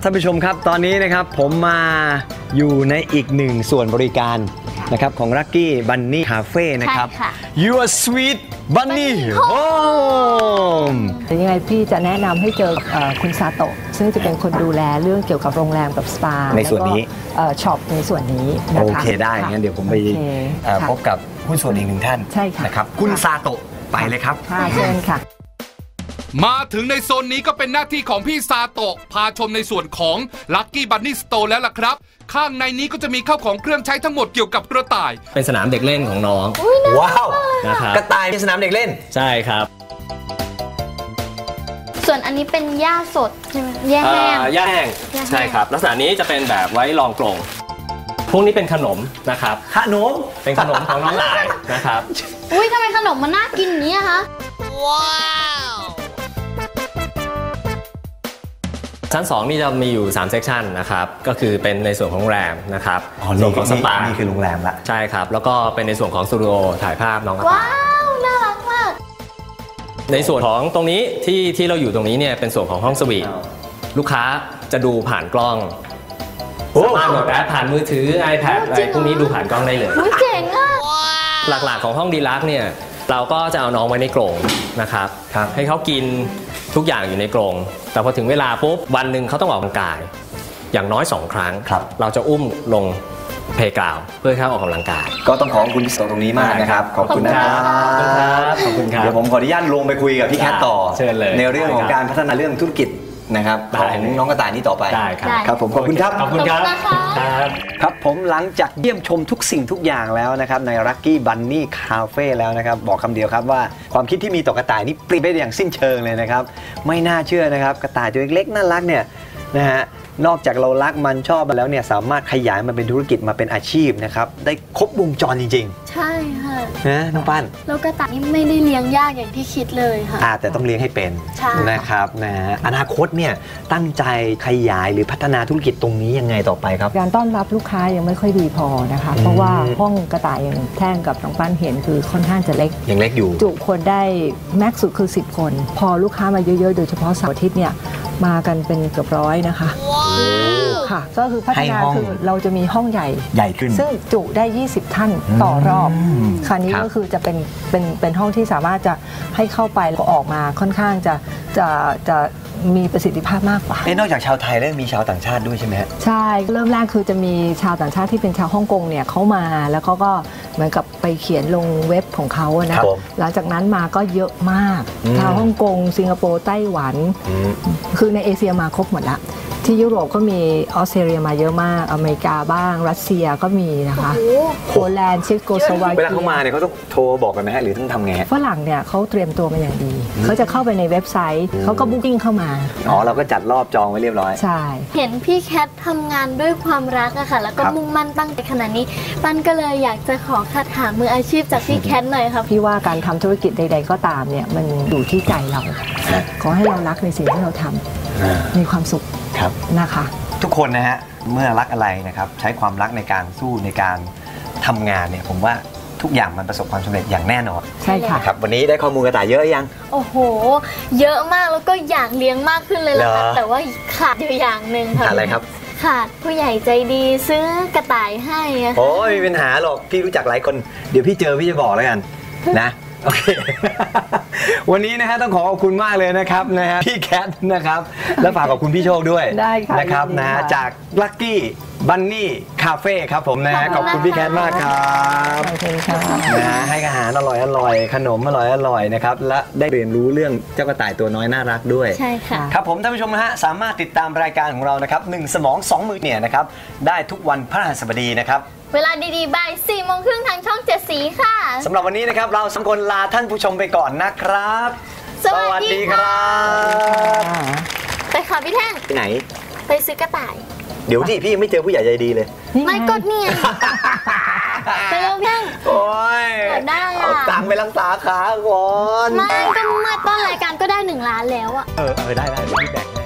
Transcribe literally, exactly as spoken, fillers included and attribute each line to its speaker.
Speaker 1: ท่านผู้ชมครับตอนนี้นะครับผมมาอยู่ในอีกหนึ่งส่วนบริการนะครับของ Lucky Bunny Cafe นะครับ Your Sweet Bunny Home
Speaker 2: แต่ยังไงพี่จะแนะนำให้เจอคุณซาโตะซึ่งจะเป็นคนดูแลเรื่องเกี่ยวกับโรงแรมกับสปา
Speaker 1: ในส่วนนี้
Speaker 2: ช็อปในส่วนนี้นะคะ
Speaker 1: โอเคได้งั้นเดี๋ยวผมไปพบกับผู้ส่วนอีกหนึ่งท่านนะครับคุณซาโตะไปเลยครับ
Speaker 2: เชิญค่ะ
Speaker 3: มาถึงในโซนนี้ก็เป็นหน้าที่ของพี่ซาโตะพาชมในส่วนของ Lucky Bunny Store แล้วล่ะครับข้างในนี้ก็จะมีข้าวของเครื่องใช้ทั้งหมดเกี่ยวกับกระต่าย
Speaker 4: เป็นสนามเด็กเล่นของน้อง
Speaker 1: ว้าว
Speaker 4: นะครับ
Speaker 1: กระต่ายเป็นสนามเด็กเล่น
Speaker 4: ใช่ครับ
Speaker 5: ส่วนอันนี้เป็นหญ้าสดใช่ไหมหญ้าแห้ง
Speaker 4: หญ้าแห้งใช่ครับลักษณะนี้จะเป็นแบบไว้รองกรงพวกนี้เป็นขนมนะครับ
Speaker 1: ขนม
Speaker 4: เป็นขนมของน้องหลายนะครับ
Speaker 5: อุ้ยทำไมขนมมันน่ากินอย่างนี้คะว้าว
Speaker 4: ชั้นสองนี่จะมีอยู่สามเซกชันนะครับก็คือเป็นในส่วนของโรงแรมนะครับ
Speaker 1: ส่วนของสปานี่คือโรงแรมละ
Speaker 4: ใช่ครับแล้วก็เป็นในส่วนของสตูดิโอถ่ายภาพน้อง
Speaker 5: ว้าวน่ารักมาก
Speaker 4: ในส่วนของตรงนี้ที่ที่เราอยู่ตรงนี้เนี่ยเป็นส่วนของห้องสวีทลูกค้าจะดูผ่านกล้องสามารถโหลดแอปผ่านมือถือ iPad อะไรพวกนี้ดูผ่านกล้องได้เลย
Speaker 5: เจ๋งอ่ะ
Speaker 4: หลักๆของห้องดีลักซ์เนี่ยเราก็จะเอาน้องไว้ในกรงนะครับให้เขากินทุกอย่างอยู่ในกรงแต่พอถึงเวลาปุ๊บวันหนึ่งเขาต้องออกกำลังกายอย่างน้อยสองครั้งเราจะอุ้มลงเพลย์กราวด์เพื่อให้เขาออกกำลังกาย
Speaker 1: ก็ต้องขอบคุณพี่โซตรงนี้มากนะครับขอบคุณนะครับ
Speaker 4: ขอบคุณครับ
Speaker 1: เดี๋ยวผมขออนุญาตลงไปคุยกับพี่แคทต่อในเรื่องของการพัฒนาเรื่องธุรกิจนะครับของน้องกระต่ายนี้ต่อไป
Speaker 4: ได้ครับ
Speaker 1: ครับผมขอบคุณครับ
Speaker 4: ขอบคุณครับ
Speaker 1: ครับผมหลังจากเยี่ยมชมทุกสิ่งทุกอย่างแล้วนะครับใน Lucky Bunny Cafe แล้วนะครับบอกคำเดียวครับว่าความคิดที่มีต่อกระต่ายนี่เปลี่ยนไปอย่างสิ้นเชิงเลยนะครับไม่น่าเชื่อนะครับกระต่ายตัวเล็กๆน่ารักเนี่ยนะฮะนอกจากเรารักมันชอบมันแล้วเนี่ยสามารถขยายมันเป็นธุรกิจมาเป็นอาชีพนะครับได้ครบวงจรจริง
Speaker 5: ๆใช่ค่ะ
Speaker 1: นะน้องปั้น
Speaker 5: แล้วกระต่ายนี่ไม่ได้เลี้ยงยากอย่างที่คิดเลยค่ะ
Speaker 1: อ่าแต่ต้องเลี้ยงให้เป็นนะครับนะอนาคตเนี่ยตั้งใจขยายหรือพัฒนาธุรกิจตรงนี้ยังไงต่อไปครับ
Speaker 2: การต้อนรับลูกค้ายังไม่ค่อยดีพอนะคะเพราะว่าห้องกระต่ายอย่างแท่งกับน้องปั้นเห็นคือค่อนข้างจะเล็ก
Speaker 1: ยังเล็กอยู่
Speaker 2: จุคนได้แม็กซ์สุดคือสิบคนพอลูกค้ามาเยอะๆโดยเฉพาะเสาร์อาทิตย์เนี่ยมากันเป็นเกือบร้อยนะคะค่ะก็คือพัฒนาคือเราจะมีห้องใหญ่
Speaker 1: ใหญ่ขึ้น
Speaker 2: ซึ่งจุได้ยี่สิบท่านต่อรอบคราวนี้ก็คือจะเป็นเป็นเป็นห้องที่สามารถจะให้เข้าไปแล้วก็ออกมาค่อนข้างจะจะจะมีประสิทธิภาพมากกว่า
Speaker 1: เอ๊ะนอกจากชาวไทยแล้วมีชาวต่างชาติด้วยใช่ไหมฮะ
Speaker 2: ใช่เริ่มแรกคือจะมีชาวต่างชาติที่เป็นชาวฮ่องกงเนี่ยเขามาแล้วเขาก็เหมือนกับไปเขียนลงเว็บของเขานะหลังจากนั้นมาก็เยอะมากชาวฮ่องกงสิงคโปร์ไต้หวันคือในเอเชียมาครบหมดละที่ยุโรปก็มีออสเตรเลียมาเยอะมากอเมริกาบ้างรัสเซียก็มีนะคะโปแลนด์เช็กโกสโลวาเกีย
Speaker 1: เวลาเขามาเนี่ยเขาต้องโทรบอกกันไหมฮะหรือต้องทำไง
Speaker 2: ฝรั่งเนี่ยเขาเตรียมตัวมาอย่างดีเขาจะเข้าไปในเว็บไซต์เขาก็บุ๊กิ้งเข้ามา
Speaker 1: อ๋อเราก็จัดรอบจองไว้เรียบร้อย
Speaker 2: ใช่
Speaker 5: เห็นพี่แคททำงานด้วยความรักอะค่ะแล้วก็มุ่งมั่นตั้งใจขนาดนี้ปั้นก็เลยอยากจะขอคาถามืออาชีพจากพี่แคทหน่อยค่ะ
Speaker 2: พี่ว่าการทำธุรกิจใดๆก็ตามเนี่ยมันอยู่ที่ใจเราขอให้เรารักในสิ่งที่เราทำมีความสุขนะคะ
Speaker 1: ทุกคนนะฮะเมื่อรักอะไรนะครับใช้ความรักในการสู้ในการทำงานเนี่ยผมว่าทุกอย่างมันประสบความสำเร็จอย่างแน่นอน
Speaker 2: ใช่ค่ะ
Speaker 1: ครับวันนี้ได้ข้อมูลกระต่ายเยอะยัง
Speaker 5: โอ้โหเยอะมากแล้วก็อยากเลี้ยงมากขึ้นเลยล่ะค่ะแต่ว่าขาดอยู่อย่างหนึ่งค่ะ
Speaker 1: อะไรครับ
Speaker 5: ขาดผู้ใหญ่ใจดีซื้อกระต่ายให้
Speaker 1: โอ้ยไม่มีปัญหาหรอกพี่รู้จักหลายคนเดี๋ยวพี่เจอพี่จะบอกแล้วกันนะโอเควันนี้นะฮะต้องขอขอบคุณมากเลยนะครับนะฮะพี่แคทนะครับและฝากขอบคุณพี่โชคด้วยนะครับนะจาก Lucky Bunny Cafe ครับผมนะฮะขอบคุณพี่แคทมากครับ
Speaker 2: ขอบคุณค่ะ
Speaker 1: นะให้อาหารอร่อยอร่อยขนมอร่อยอร่อยนะครับและได้เรียนรู้เรื่องเจ้ากระต่ายตัวน้อยน่ารักด้วย
Speaker 5: ใช่ค่ะ
Speaker 1: ครับผมท่านผู้ชมนะฮะสามารถติดตามรายการของเรานะครับหนึ่งสมองสองมือเนี่ยนะครับได้ทุกวันพฤหัสบดีนะครับ
Speaker 5: เวลาดีๆบ่ายสี่โมงครึ่งทางช่องเจ็ดสีค่ะ
Speaker 1: สำหรับวันนี้นะครับเราสองคนลาท่านผู้ชมไปก่อนนะครับ
Speaker 5: สวัสดีครับไปค่ะพี่แท่ง
Speaker 1: ไปไหน
Speaker 5: ไปซื้อกระต่าย
Speaker 1: เดี๋ยวที่พี่ยังไม่เจอผู้ใหญ่ใจดีเลย
Speaker 5: ไม่กดเนี่ยไปเร็วแท่ง
Speaker 1: โอ้ย
Speaker 5: ได้
Speaker 1: เอาตังค์ไปรักษาขาก่อน
Speaker 5: ไม่ก็มาต้นรายการก็ได้หนึ่งล้านแล้วอะ
Speaker 1: เออเออได้ได้เดี๋ยวพี่แบ่ง